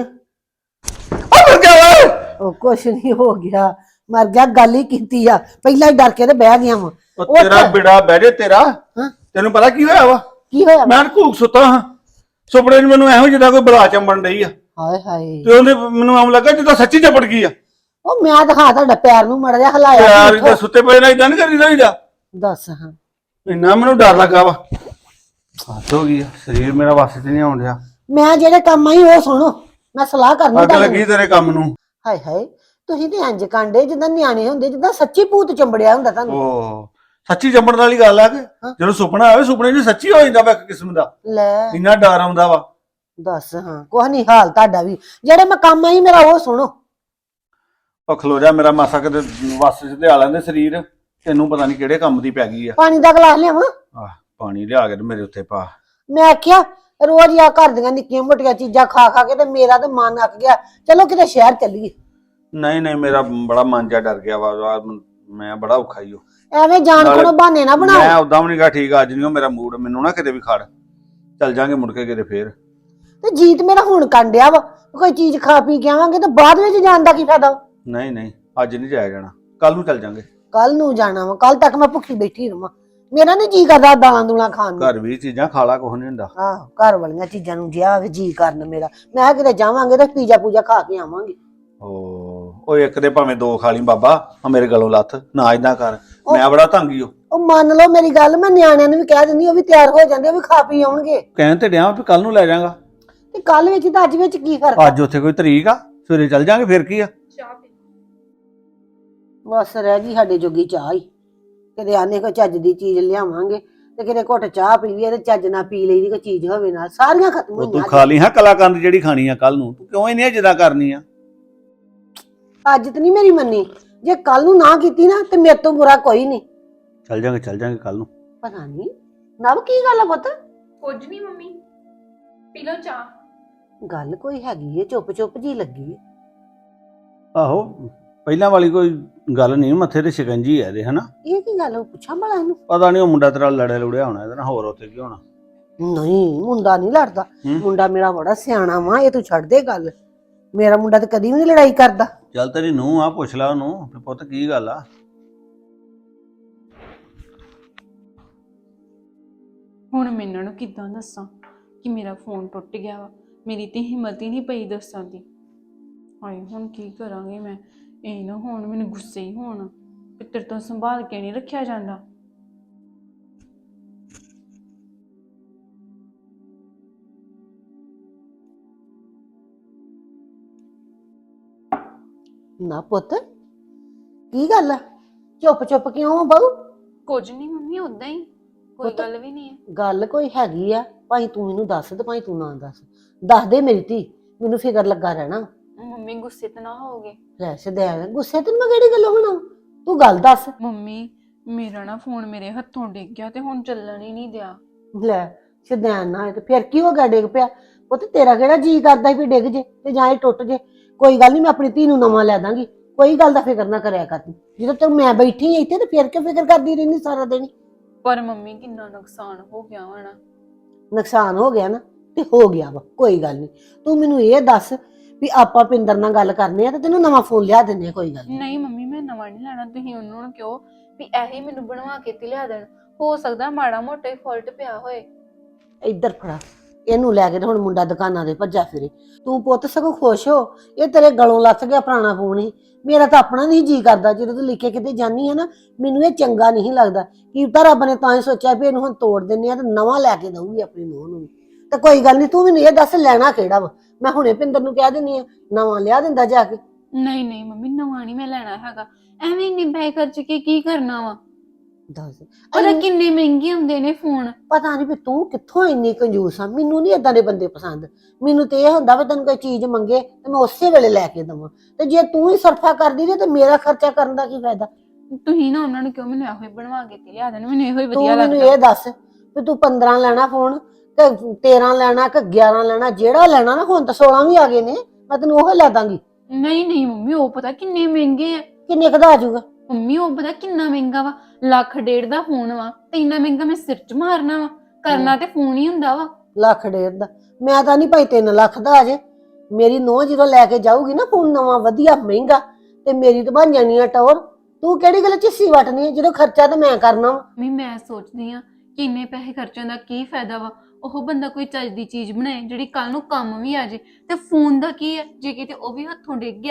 ਉਹ ਕੁਛ ਨਹੀਂ ਹੋ ਗਿਆ, ਮਰ ਗਿਆ, ਗੱਲ ਹੀ ਕੀਤੀ ਆ, ਪਹਿਲਾਂ ਹੀ ਡਰ ਕੇ ਤੇ ਬਹਿ ਗਿਆ ਵਾ। ਉਹ ਤੇਰਾ ਬਿੜਾ ਬਹਿ ਜੇ ਤੇਰਾ। ਹਾਂ ਤੈਨੂੰ ਪਤਾ ਕੀ ਹੋਇਆ ਵਾ? ਕੀ ਹੋਇਆ? ਮੈਂ ਘੂਕ ਸੁੱਤਾ ਹਾਂ, ਸੁਪਨੇ 'ਚ ਮੈਨੂੰ ਇਹੋ ਜਿਹਾ ਕੋਈ ਬਲਾ ਚੰਬਣ ਡਈ ਆ, ਹਾਏ ਹਾਏ, ਤੇ ਉਹਨੇ ਮੈਨੂੰ ਆਮ ਲੱਗਾ ਜਿੱਦਾਂ ਸੱਚੀ ਚਪੜ ਗਈ ਆ। ਉਹ ਮੈਂ ਦਿਖਾ ਤੁਹਾਡਾ ਪੈਰ ਨੂੰ ਮੜ ਜਾ ਹਲਾਇਆ ਯਾਰ ਨੀ ਇਹ ਤਾਂ ਉੱਥੋਂ। ਸੁੱਤੇ ਪਏ ਨਾਲ ਇਦਾਂ ਨਹੀਂ ਕਰੀਦਾ ਹੋਈਦਾ। ਦੱਸ ਹਾਂ ਇੰਨਾ ਮੈਨੂੰ ਡਰ ਲੱਗਾ ਵਾ ਹੱਥ ਹੋ ਗਈ ਆ, ਸਰੀਰ ਮੇਰਾ ਵਾਸਤੇ ਤੇ ਨਹੀਂ ਆਉਣ ਡਿਆ। ਮੈਂ ਜਿਹੜੇ ਕੰਮ ਆਈ ਉਹ ਸੁਣੋ, ਮੈਂ ਸਲਾਹ ਕਰਨੀ ਅੱਗ ਤੁਹਾਡੇ ਲੱਗੀ ਨਾਲ। ਤੇਰੇ ਕੰਮ ਨੂੰ। ਹਾਏ ਹਾਏ ਤੁਸੀਂ ਤੇ ਇੰਜ ਕਾਂਡੇ ਜਿੱਦਾਂ ਨਿਆਣੇ ਹੁੰਦੇ, ਜਿੱਦਾਂ ਸੱਚੀ ਭੂਤ ਚੰਬੜਿਆ ਹੁੰਦਾ ਤੁਹਾਨੂੰ। ਓ ਸੱਚੀ ਜੰਮਣ ਵਾਲੀ ਗੱਲ ਆ ਕਿ ਹਾਂ। ਜਦੋਂ ਸੁਪਨਾ ਆਵੇ ਸੁਪਨੇ 'ਚ ਸੱਚੀ ਹੋ ਜਾਂਦਾ ਵਾ ਇੱਕ ਕਿਸਮ ਦਾ। ਲੈ ਇੰਨਾ ਡਰ ਆਉਂਦਾ ਵਾ। ਦੱਸ ਹਾਂ ਕੁਛ ਨਹੀਂ ਹਾਲ ਤੁਹਾਡਾ ਵੀ। ਜਿਹੜੇ ਮੈਂ ਕੰਮ ਆਈ ਮੇਰਾ ਉਹ ਸੁਣੋ। ਉਹ ਖਲੋ ਜਾ, ਮੇਰਾ ਮਾਸਾ ਕਿਤੇ ਵੱਸ 'ਚ ਤੇ ਆ ਲੈਂਦੇ ਸਰੀਰ। ਤੈਨੂੰ ਪਤਾ ਨਹੀਂ ਕਿਹੜੇ ਕੰਮ ਦੀ ਪੈ ਗਈ ਆ। ਪਾਣੀ ਦਾ ਗਲਾਸ ਲਿਆਵਾਂ? ਆਹ ਪਾਣੀ ਲਿਆ ਕੇ ਤੇ ਮੇਰੇ ਉੱਤੇ ਪਾ। ਮੈਂ ਆਖਿਆ ਰੋਜ਼ ਆ ਘਰ ਦੀਆਂ ਨਿੱਕੀਆਂ ਮੋਟੀਆਂ ਚੀਜ਼ਾਂ ਖਾ ਖਾ ਕੇ ਤੇ ਮੇਰਾ ਤੇ ਮਨ ਅੱਕ ਗਿਆ, ਚਲੋ ਕਿਤੇ ਸ਼ਹਿਰ ਚੱਲੀਏ। ਨਹੀਂ ਨਹੀਂ ਮੇਰਾ ਬੜਾ ਮਨ ਜਾ ਡਰ ਗਿਆ ਵਾ ਵਾ, ਮੈਂ ਬੜਾ ਔਖਾ ਹੀ ਹੋ। ਐਵੇਂ ਜਾਣ ਨਾਲੇ ਕੋਲੋਂ ਬਹਾਨੇ ਨਾ ਮੈਂ ਬਣਾਓ। ਉਦਾਂ ਵੀ ਨਹੀਂ ਗਾ ਠੀਕ, ਅੱਜ ਨਹੀਂ ਮੇਰਾ ਮੂਡ, ਮੈਨੂੰ ਨਾ ਕਿਤੇ ਵੀ ਖੜ। ਚੱਲ ਜਾਾਂਗੇ ਮੁੜ ਕੇ ਕਿਤੇ ਫੇਰ। ਤੇ ਜੀਤ ਮੇਰਾ ਹੁਣ ਕੰਡਿਆ ਵਾ, ਕੋਈ ਚੀਜ਼ ਖਾ ਪੀ ਕੇ ਆਵਾਂਗੇ ਤੇ ਬਾਅਦ ਵਿੱਚ ਜਾਣ ਦਾ ਕੀ ਫਾਇਦਾ? ਨਹੀਂ ਨਹੀਂ ਅੱਜ ਨਹੀਂ ਜਾਇਆ ਜਾਣਾ, ਕੱਲ ਨੂੰ ਚੱਲ ਜਾਾਂਗੇ। ਕੱਲ ਨੂੰ ਜਾਣਾ ਵਾ, ਕੱਲ ਤੱਕ ਮੈਂ ਭੁੱਖੀ ਬੈਠੀ ਰਵਾਂ। ਮੇਰਾ ਨੀ ਜੀ ਕਰਦਾ ਦਾਲਾਂ ਦੂਲਾਂ ਖਾਣ ਨੂੰ। ਘਰ ਵੀ ਚੀਜ਼ਾਂ ਖਾਲਾ ਕੁਛ ਨਹੀਂ ਹੁੰਦਾ। ਆਹੋ ਘਰ ਵਾਲੀਆਂ ਚੀਜ਼ਾਂ ਨੂੰ ਜਿਆ ਜੀ ਕਰਨ ਮੇਰਾ। ਮੈਂ ਕਿਤੇ ਜਾਵਾਂਗੇ ਤੇ ਪੀਜ਼ਾ ਪੂਜਾ ਖਾ ਕੇ ਆਵਾਂਗੇ। ਓ ਓਏ ਇੱਕ ਦੇ ਭਾਵੇਂ ਦੋ ਖਾ ਲਈ ਬਾਬਾ, ਆ ਮੇਰੇ ਗਲੋਂ ਲੱਥ ਨਾ ਇਦਾਂ ਕਰ। ਮੈਂ ਬੜਾ ਤੰਗੀ ਹੋ। ਉਹ ਮੰਨ ਲਓ ਮੇਰੀ ਗੱਲ, ਮੈਂ ਨਿਆਣਿਆਂ ਨੂੰ ਵੀ ਕਹਿ ਦਿੰਦੀ, ਉਹ ਵੀ ਤਿਆਰ ਹੋ ਜਾਂਦੇ, ਉਹ ਵੀ ਖਾ ਪੀ ਆਉਣਗੇ। ਕਹਿਣ ਤੇ ਡਿਆ ਵੀ ਕੱਲ ਨੂੰ ਲੈ ਜਾਾਂਗਾ। ਤੇ ਕੱਲ ਵਿੱਚ ਤੇ ਅੱਜ ਵਿੱਚ ਕੀ ਫਰਕ ਆ? ਅੱਜ ਉੱਥੇ ਕੋਈ ਤਰੀਕ ਆ, ਸਵੇਰੇ ਚੱਲ ਜਾਾਂਗੇ ਫੇਰ ਕੀ ਆ। ਬਸ ਰਹਿ ਗਈ ਸਾਡੇ ਜੋਗੀ ਚਾਹ ਹੀ। ਕਿਤੇ ਆਨੇ ਕੋਈ ਚੱਜ ਦੀ ਚੀਜ਼ ਲਿਆਵਾਂਗੇ ਤੇ ਕਿਤੇ ਘੁੱਟ ਚਾਹ ਪੀ ਲਈਏ ਤੇ ਚੱਜ ਨਾਲ ਪੀ ਲਈ ਦੀ ਕੋਈ ਚੀਜ਼ ਹੋਵੇ ਨਾਲ। ਸਾਰੀਆਂ ਖਤਮ ਉਹ ਤੂੰ ਹੋਈਆਂ ਖਾ ਲਈ ਹਾਂ ਕਲਾਕੰਦ ਜਿਹੜੀ ਖਾਣੀ ਆ ਕੱਲ ਨੂੰ, ਤੂੰ ਕਿਉਂ ਇੰਨੀਆਂ ਜਿੱਦਾਂ ਕਰਨੀ ਆ। ਅੱਜ ਤੇ ਨਹੀਂ ਮੇਰੀ ਮੰਨੀ, ਜੇ ਕੱਲ ਨੂੰ ਨਾ ਕੀਤੀ ਨਾ ਤੇ ਮੇਰੇ ਤੋਂ ਬੁਰਾ ਕੋਈ ਨਹੀਂ। ਚੱਲ ਜਾਾਂਗੇ ਚੱਲ ਜਾਾਂਗੇ ਕੱਲ ਨੂੰ। ਪਤਾ ਨਹੀਂ ਨਵ ਕੀ ਗੱਲ ਆ ਪੁੱਤ? ਕੁਝ ਨਹੀਂ ਮੰਮੀ, ਪੀ ਲਓ ਚਾਹ। ਗੱਲ ਕੋਈ ਹੈਗੀ ਏ, ਚੁੱਪ ਚੁੱਪ ਜੀ ਲੱਗੀ ਏ। ਆਹੋ ਪਹਿਲਾਂ ਵਾਲੀ ਕੋਈ ਗੱਲ ਨਹੀਂ, ਮੱਥੇ ਤੇ ਸ਼ਿਕੰਜੀ ਆ ਇਹਦੇ, ਹਨਾ। ਇਹ ਕੀ ਗੱਲ, ਉਹ ਪੁੱਛਾਂ ਭਲਾ ਇਹਨੂੰ। ਪਤਾ ਨਹੀਂ ਉਹ ਮੁੰਡਾ ਤੇਰਾ ਲੜੇ ਲੁੜਿਆ ਹੋਣਾ ਇਹਦੇ ਨਾਲ, ਹੋਰ ਉੱਥੇ ਕੀ ਹੋਣਾ। ਨਹੀਂ ਮੁੰਡਾ ਨਹੀਂ ਲੜਦਾ, ਹੂੰ। ਮੁੰਡਾ ਮੇਰਾ ਬੜਾ ਸਿਆਣਾ ਵਾ, ਇਹ ਤੂੰ ਛੱਡ ਦੇ ਗੱਲ। ਮੇਰਾ ਮੁੰਡਾ ਤੇ ਕਦੀ ਵੀ ਨਹੀਂ ਲੜਾਈ ਕਰਦਾ। ਚੱਲ ਤੇਰੀ ਨੂੰਹ ਆ, ਪੁੱਛ ਲੈ ਉਹਨੂੰ ਵੀ ਪੁੱਤ ਕੀ ਗੱਲ ਆ। ਹੁਣ ਮੈਂ ਇਹਨਾਂ ਨੂੰ ਕਿੱਦਾਂ ਦੱਸਾਂ ਕਿ ਮੇਰਾ ਫੋਨ ਟੁੱਟ ਗਿਆ ਵਾ? ਮੇਰੀ ਤੇ ਹਿੰਮਤ ਹੀ ਨਹੀਂ ਪਈ ਦੱਸਣ ਦੀ। ਹਾਏ ਹੁਣ ਕੀ ਕਰਾਂਗੇ ਮੈਂ? ਇਹ ਨਾ ਹੁਣ ਮੈਨੂੰ ਗੁੱਸੇ ਹੀ ਹੋਣ ਕਿ ਤੇਰੇ ਤੋਂ ਸੰਭਾਲ ਕੇ ਨਹੀਂ ਰੱਖਿਆ ਜਾਂਦਾ। ਨਾ ਪੁੱਤ ਕੀ ਗੱਲ ਆ, ਚੁੱਪ ਚੁੱਪ ਕਿਉਂ ਆ ਬਹੂ? ਕੁਝ ਨਹੀਂ ਮੰਮੀ, ਉਦਾਂ ਹੀ, ਕੋਈ ਪੁੱਤ- ਗੱਲ ਵੀ ਨਹੀਂ ਹੈ। ਗੱਲ ਕੋਈ ਹੈਗੀ ਆ, ਭਾਈ ਤੂੰ ਮੈਨੂੰ ਦੱਸ ਤੇ ਭਾਈ ਤੂੰ ਨਾ ਦੱਸ। ਦੱਸ ਦੇ ਮੇਰੀ ਧੀ, ਮੈਨੂੰ ਫਿਕਰ ਲੱਗਾ ਰਹਿਣਾ। ਮੰਮੀ ਗੁੱਸੇ ਤੇ ਨਾ ਹੋਗੇ। ਲੈ ਸਦੈਣ ਗੁੱਸੇ ਤੇ ਮੈਂ ਕਿਹੜੀ ਗੱਲੋਂ ਹੋਣਾ, ਤੂੰ ਗੱਲ ਦੱਸ। ਮੰਮੀ ਮੇਰਾ ਨਾ ਫੋਨ ਮੇਰੇ ਹੱਥੋਂ ਡਿੱਗ ਗਿਆ ਤੇ ਹੁਣ ਚੱਲਣ ਹੀ ਨਹੀਂ ਦਿਆ। ਲੈ ਸਦੈਣ ਨਾ ਹੋਏ ਤੇ ਫਿਰ ਕੀ ਹੋ ਗਿਆ ਡਿੱਗ ਪਿਆ? ਪੁੱਤ ਤੇਰਾ ਕਿਹੜਾ ਜੀ ਕਰਦਾ ਵੀ ਡਿੱਗ ਜੇ ਤੇ ਜਾਂ ਇਹ ਟੁੱਟ ਜੇ? ਕੋਈ ਗੱਲ ਨਹੀਂ, ਮੈਂ ਆਪਣੀ ਧੀ ਨੂੰ ਨਵਾਂ ਲੈ ਦਾਂਗੀ, ਕੋਈ ਗੱਲ ਦਾ ਫਿਕਰ ਨਾ ਕਰਿਆ ਕਰ ਤੂੰ। ਜਦੋਂ ਤੱਕ ਮੈਂ ਬੈਠੀ ਹਾਂ ਇੱਥੇ ਤੇ ਫਿਰ ਕਿਉਂ ਫਿਕਰ ਕਰਦੀ ਰਹਿੰਦੀ ਸਾਰਾ ਦਿਨ? ਪਰ ਮੰਮੀ ਕਿੰਨਾ ਨੁਕਸਾਨ ਹੋ ਗਿਆ ਹੋਣਾ। ਨੁਕਸਾਨ ਹੋ ਗਿਆ ਨਾ ਤੇ ਹੋ ਗਿਆ ਵਾ, ਕੋਈ ਗੱਲ ਨਹੀਂ। ਤੂੰ ਮੈਨੂੰ ਇਹ ਦੱਸ ਵੀ ਆਪਾਂ ਪਿੰਦਰ ਨਾਲ ਗੱਲ ਕਰਨੇ ਆ ਤੇ ਤੈਨੂੰ ਨਵਾਂ ਫੋਨ ਲਿਆ ਦਿੰਦੇ ਆ, ਕੋਈ ਗੱਲ ਨਹੀਂ। ਨਹੀਂ ਮੰਮੀ ਮੈਂ ਨਵਾਂ ਨਹੀਂ ਲੈਣਾ, ਤੁਸੀਂ ਉਹਨਾਂ ਨੂੰ ਕਿਹਾ ਵੀ ਇਹੀ ਮੈਨੂੰ ਬਣਵਾ ਕੇ ਤੇ ਲਿਆ ਦੇਣ। ਹੋ ਸਕਦਾ ਮਾੜਾ ਮੋਟਾ ਹੀ ਫਾਲਟ ਪਿਆ ਹੋਏ। ਇੱਧਰ ਫੜਾ ਇਹਨੂੰ ਲੈ ਕੇ ਤੇ ਹੁਣ ਮੁੰਡਾ ਦੁਕਾਨਾਂ ਦੇ ਭੱਜਾ ਫਿਰੇ। ਤੂੰ ਪੁੱਤ ਸਗੋਂ ਖੁਸ਼ ਹੋ, ਇਹ ਤੇਰੇ ਗਲੋਂ ਲੱਥ ਗਿਆ ਪੁਰਾਣਾ ਫੋਨ ਹੀ। ਮੇਰਾ ਤਾਂ ਆਪਣਾ ਨਹੀਂ ਜੀ ਕਰਦਾ, ਜਦੋਂ ਤੂੰ ਲਿਖੇ ਕਿਤੇ ਜਾਨੀ ਹੈ ਨਾ, ਮੈਨੂੰ ਇਹ ਚੰਗਾ ਨਹੀਂ ਲੱਗਦਾ। ਕੀ ਤਾਂ ਰੱਬ ਨੇ ਤਾਂ ਹੀ ਸੋਚਿਆ ਵੀ ਇਹਨੂੰ ਹੁਣ ਤੋੜ ਦਿੰਨੇ ਆ ਤੇ ਨਵਾਂ ਲੈ ਕੇ ਦਊਗੀ ਆਪਣੀ ਨੂੰਹ ਨੂੰ। ਤੇ ਕੋਈ ਗੱਲ ਨਹੀਂ, ਤੂੰ ਮੈਨੂੰ ਇਹ ਦੱਸ ਲੈਣਾ ਕਿਹੜਾ ਵਾ? ਮੈਂ ਹੁਣੇ ਪਿੰਦਰ ਨੂੰ ਕਹਿ ਦਿੰਨੀ ਆ ਨਵਾਂ ਲਿਆ ਦਿੰਦਾ ਜਾ ਕੇ। ਨਹੀਂ ਨਹੀਂ ਮੰਮੀ ਨਵਾਂ ਨਹੀਂ ਮੈਂ ਲੈਣਾ ਹੈਗਾ, ਐਵੇਂ ਇੰਨੇ ਪੈਸੇ ਖਰਚ ਕੇ ਕੀ ਕਰਨਾ ਵਾ? ਦੱਸ ਪਤਾ ਕਿੰਨੇ ਮਹਿੰਗੇ ਹੁੰਦੇ ਨੇ ਫੋਨ। ਪਤਾ ਨਹੀਂ ਵੀ ਤੂੰ ਕਿੱਥੋਂ ਇੰਨੀ ਕੰਜੂਸ ਆ। ਮੈਨੂੰ ਨਹੀਂ ਏਦਾਂ ਦੇ ਬੰਦੇ ਪਸੰਦ। ਮੈਨੂੰ ਤੇ ਇਹ ਹੁੰਦਾ ਵੀ ਤੈਨੂੰ ਕੋਈ ਚੀਜ਼ ਮੰਗੇ ਤੇ ਮੈਂ ਉਸੇ ਵੇਲੇ ਲੈ ਕੇ ਦਵਾਂ, ਤੇ ਜੇ ਤੂੰ ਹੀ ਸਰਫਾ ਕਰਦੀ ਰਹੇ ਤੇ ਮੇਰਾ ਖਰਚਾ ਕਰਨ ਦਾ ਕੀ ਫਾਇਦਾ? ਤੁਸੀਂ ਨਾ ਉਹਨਾਂ ਨੂੰ ਕਿਉਂ ਮੈਨੂੰ ਇਹੋ ਹੀ ਬਣਵਾ ਕੇ ਤੇ ਲਿਆ ਦੇਣ, ਮੈਨੂੰ ਇਹੋ ਹੀ ਤੂੰ ਵਧੀਆ ਮੈਨੂੰ ਲੱਗਦਾ। ਇਹ ਦੱਸ ਵੀ ਤੂੰ ਪੰਦਰਾਂ ਲੈਣਾ ਫੋਨ ਤੇ ਤੇਰਾਂ ਲੈਣਾ ਕਿ ਗਿਆਰਾਂ ਲੈਣਾ? ਜਿਹੜਾ ਲੈਣਾ ਨਾ, ਹੁਣ ਤਾਂ ਸੋਲਾਂ ਵੀ ਆ ਗਏ ਨੇ, ਮੈਂ ਤੈਨੂੰ ਉਹ ਲੈ ਦਾਂਗੀ। ਨਹੀਂ ਨਹੀਂ ਮੰਮੀ ਉਹ ਪਤਾ ਕਿੰਨੇ ਮਹਿੰਗੇ ਆ। ਕਿੰਨੇ ਕਦਾ ਆ ਜਾਊਗਾ? ਮੰਮੀ ਉਹ ਪਤਾ ਕਿੰਨਾ ਮਹਿੰਗਾ ਵਾ, ਲੱਖ ਡੇਢ ਦਾ ਫੋਨ ਵਾ ਤੇ ਇੰਨਾ ਮਹਿੰਗਾ ਮੈਂ ਸਿਰ 'ਚ ਮਾਰਨਾ ਵਾ? ਕਰਨਾ ਤੇ ਫੋਨ ਹੀ ਹੁੰਦਾ ਵਾ। ਲੱਖ ਡੇਢ ਦਾ? ਮੈਂ ਤਾਂ ਨਹੀਂ ਭਾਈ ਤਿੰਨ ਲੱਖ ਦਾ ਆ ਜੇ। ਮੇਰੀ ਨੂੰਹ ਜਦੋਂ ਲੈ ਕੇ ਜਾਊਗੀ ਨਾ ਫੋਨ ਨਵਾਂ ਵਧੀਆ ਮਹਿੰਗਾ, ਤੇ ਮੇਰੀ ਤਾਂ ਬਣ ਜਾਣੀ ਆ ਟੌਰ। ਤੂੰ ਕਿਹੜੀ ਗੱਲ ਚਿੱਸੀ ਵਟਣੀ, ਜਦੋਂ ਖਰਚਾ ਤਾਂ ਮੈਂ ਕਰਨਾ ਵਾ। ਮੰਮੀ ਮੈਂ ਸੋਚਦੀ ਆ ਕਿ ਇੰਨੇ ਪੈਸੇ ਖਰਚਣ ਦਾ ਕੀ ਫਾਇਦਾ ਵਾ? ਉਹ ਬੰਦਾ ਕੋਈ ਚੱਜ ਦੀ ਚੀਜ਼ ਬਣਾਏ ਜਿਹੜੀ ਕੱਲ ਨੂੰ ਕੰਮ ਵੀ ਆ ਜੇ। ਤੇ ਫੋਨ ਦਾ ਕੀ ਹੈ, ਜੇ ਕਿਤੇ ਉਹ ਵੀ ਹੱਥੋਂ ਡਿੱਗ ਗਿਆ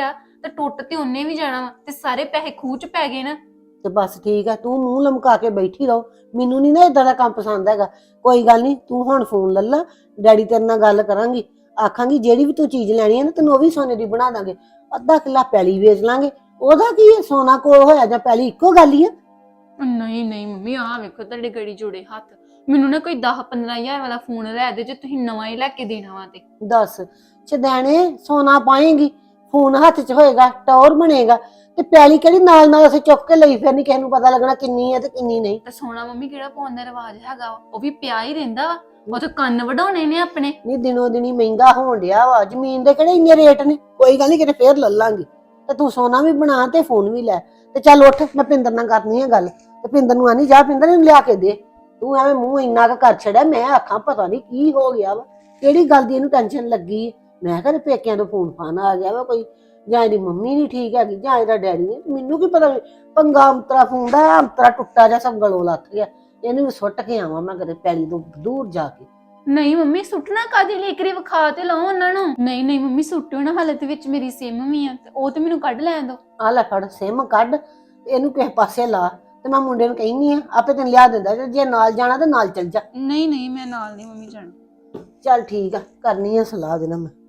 ਤੇ ਟੁੱਟ ਤੇ ਉਹਨੇ ਵੀ ਜਾਣਾ ਵਾ ਤੇ ਸਾਰੇ ਪੈਸੇ ਖੂਹ ਚ ਪੈ ਗਏ ਨਾ। ਤੇ ਬਸ ਠੀਕ ਹੈ, ਤੂੰ ਮੂੰਹ ਲਮਕਾ ਕੇ ਬੈਠੀ ਰਹੋ। ਮੈਨੂੰ ਨਹੀਂ ਨਾ ਇਦਾਂ ਦਾ ਕੰਮ ਪਸੰਦ ਹੈਗਾ। ਕੋਈ ਗੱਲ ਨਹੀਂ, ਤੂੰ ਹੁਣ ਫੋਨ ਲੈ ਲਾ, ਡੈਡੀ ਤੇਰੇ ਨਾਲ ਗੱਲ ਕਰਾਂਗੀ, ਆਖਾਂਗੀ ਜਿਹੜੀ ਵੀ ਤੂੰ ਚੀਜ਼ ਲੈਣੀ ਹੈ ਨਾ ਤੈਨੂੰ ਉਹ ਵੀ ਸੋਨੇ ਦੀ ਬਣਾ ਦਾਂਗੇ। ਅੱਧਾ ਕਿੱਲਾ ਪੈਲੀ ਵੇਚ ਲਾਂਗੇ, ਉਹਦਾ ਕੀ ਹੈ, ਸੋਨਾ ਕੋਲ ਹੋਇਆ ਜਾਂ ਪੈਲੀ ਇੱਕੋ ਗੱਲ ਹੀ ਆ। ਨਹੀਂ ਨਹੀਂ ਮੰਮੀ, ਆਹ ਵੇਖੋ ਤੁਹਾਡੇ ਗੜੀ ਜੋੜੇ ਹੱਥ। ਮੈਨੂੰ ਨਾ ਕੋਈ ਦਸ ਪੰਦਰਾਂ ਹਜ਼ਾਰ ਵਾਲਾ ਫੋਨ ਲੈ ਦੇ ਜੇ ਤੁਸੀਂ ਨਵਾਂ ਹੀ ਲੈ ਕੇ ਦੇਣਾ ਵਾ ਤੇ। ਦੱਸ ਚਦੈਣੇ, ਸੋਨਾ ਪਾਏਂਗੀ, ਫੋਨ ਹੱਥ 'ਚ ਹੋਏਗਾ, ਟੌਰ ਬਣੇਗਾ, ਤੇ ਪੈਲੀ ਕਿਹੜੀ ਨਾਲ ਨਾਲ ਅਸੀਂ ਚੁੱਕ ਕੇ ਲਈ ਫਿਰਨੀ, ਕਿਸੇ ਨੂੰ ਪਤਾ ਲੱਗਣਾ ਕਿੰਨੀ ਹੈ ਤੇ ਕਿੰਨੀ ਨਹੀਂ। ਤੇ ਸੋਨਾ ਮੰਮੀ ਕਿਹੜਾ ਪਾਉਣ ਦਾ ਰਿਵਾਜ ਹੈਗਾ ਵਾ, ਉਹ ਵੀ ਪਿਆ ਹੀ ਰਹਿੰਦਾ ਵਾ। ਉਹ ਤਾਂ ਕੰਨ ਵਢਾਉਣੇ ਨੇ ਆਪਣੇ। ਨਹੀਂ ਦਿਨੋ ਦਿਨੀ ਮਹਿੰਗਾ ਹੋਣ ਡਿਆ ਵਾ, ਜ਼ਮੀਨ ਦੇ ਕਿਹੜੇ ਇੰਨੇ ਰੇਟ ਨੇ। ਕੋਈ ਗੱਲ ਨਹੀਂ, ਕਿਤੇ ਫੇਰ ਲੈ ਲਾਂਗੇ। ਤੇ ਤੂੰ ਸੋਨਾ ਵੀ ਬਣਾ ਤੇ ਫੋਨ ਵੀ ਲੈ। ਤੇ ਚੱਲ ਉੱਠ, ਮੈਂ ਪਿੰਦਰ ਨਾਲ ਕਰਨੀ ਹੈ ਗੱਲ। ਤੇ ਪਿੰਦਰ ਨੂੰ ਆਨੀ, ਜਾ ਪਿੰਦਰ ਇਹਨੂੰ ਲਿਆ ਕੇ ਦੇ। ਤੂੰ ਐਵੇਂ ਮੂੰਹ ਇੰਨਾ ਕੁ ਕਰ ਛੜਿਆ, ਮੈਂ ਆਖਾਂ ਪਤਾ ਨਹੀਂ ਕੀ ਹੋ ਗਿਆ ਵਾ, ਕਿਹੜੀ ਗੱਲ ਦੀ ਇਹਨੂੰ ਟੈਨਸ਼ਨ ਲੱਗੀ ਹੈ। ਮੈਂ ਕਿਹਾ ਪੇਕਿਆਂ ਤੋਂ ਫੋਨ ਫਾਨ ਆ ਗਿਆ ਵਾ ਕੋਈ, ਜਾਂ ਇਹਦੀ ਮੰਮੀ ਨਹੀਂ ਠੀਕ ਹੈਗੀ, ਜਾਂ ਇਹਦਾ ਡੈਡੀ ਨਹੀਂ, ਮੈਨੂੰ ਕੀ ਪਤਾ। ਪੰਗਾ ਅੰਤਰਾ ਫੋਨ ਦਾ, ਅੰਤਰਾ ਟੁੱਟਾ ਜਿਹਾ ਸਭ ਗਲੋਂ ਲੱਥ ਗਿਆ। ਇਹਨੂੰ ਵੀ ਸੁੱਟ ਕੇ ਆਵਾਂ ਮੈਂ ਕਦੇ ਪੈਲੀ ਤੋਂ ਦੂਰ ਜਾ ਕੇ। ਨਹੀਂ ਮੰਮੀ, ਸੁੱਟਣਾ ਕਾਹਦੇ ਲਈ, ਕਰੀ ਵਿਖਾ ਤੇ ਲਓ ਉਹਨਾਂ ਨੂੰ। ਨਹੀਂ ਨਹੀਂ ਮੰਮੀ, ਸੁੱਟਿਓ ਨਾ, ਹਾਲਤ ਵਿੱਚ ਮੇਰੀ ਸਿਮ ਵੀ ਆ ਤੇ ਉਹ ਤੇ ਮੈਨੂੰ ਕੱਢ ਲੈਣ ਦੋ। ਆ ਲੈ ਫੜ ਸਿਮ ਕੱਢ, ਇਹਨੂੰ ਕਿਸੇ ਪਾਸੇ ਲਾ, ਤੇ ਮੈਂ ਮੁੰਡੇ ਨੂੰ ਕਹਿੰਦੀ ਆ ਆਪੇ ਤੈਨੂੰ ਲਿਆ ਦਿੰਦਾ। ਜੇ ਨਾਲ ਜਾਣਾ ਤੇ ਨਾਲ ਚੱਲ ਜਾ। ਨਹੀਂ ਨਹੀਂ, ਮੈਂ ਨਾਲ ਨਹੀਂ ਮੰਮੀ ਜਾਣਾ। ਚੱਲ ਠੀਕ ਆ, ਕਰਨੀ ਆ ਸਲਾਹ ਦੇ ਨਾਲ ਮੈਂ।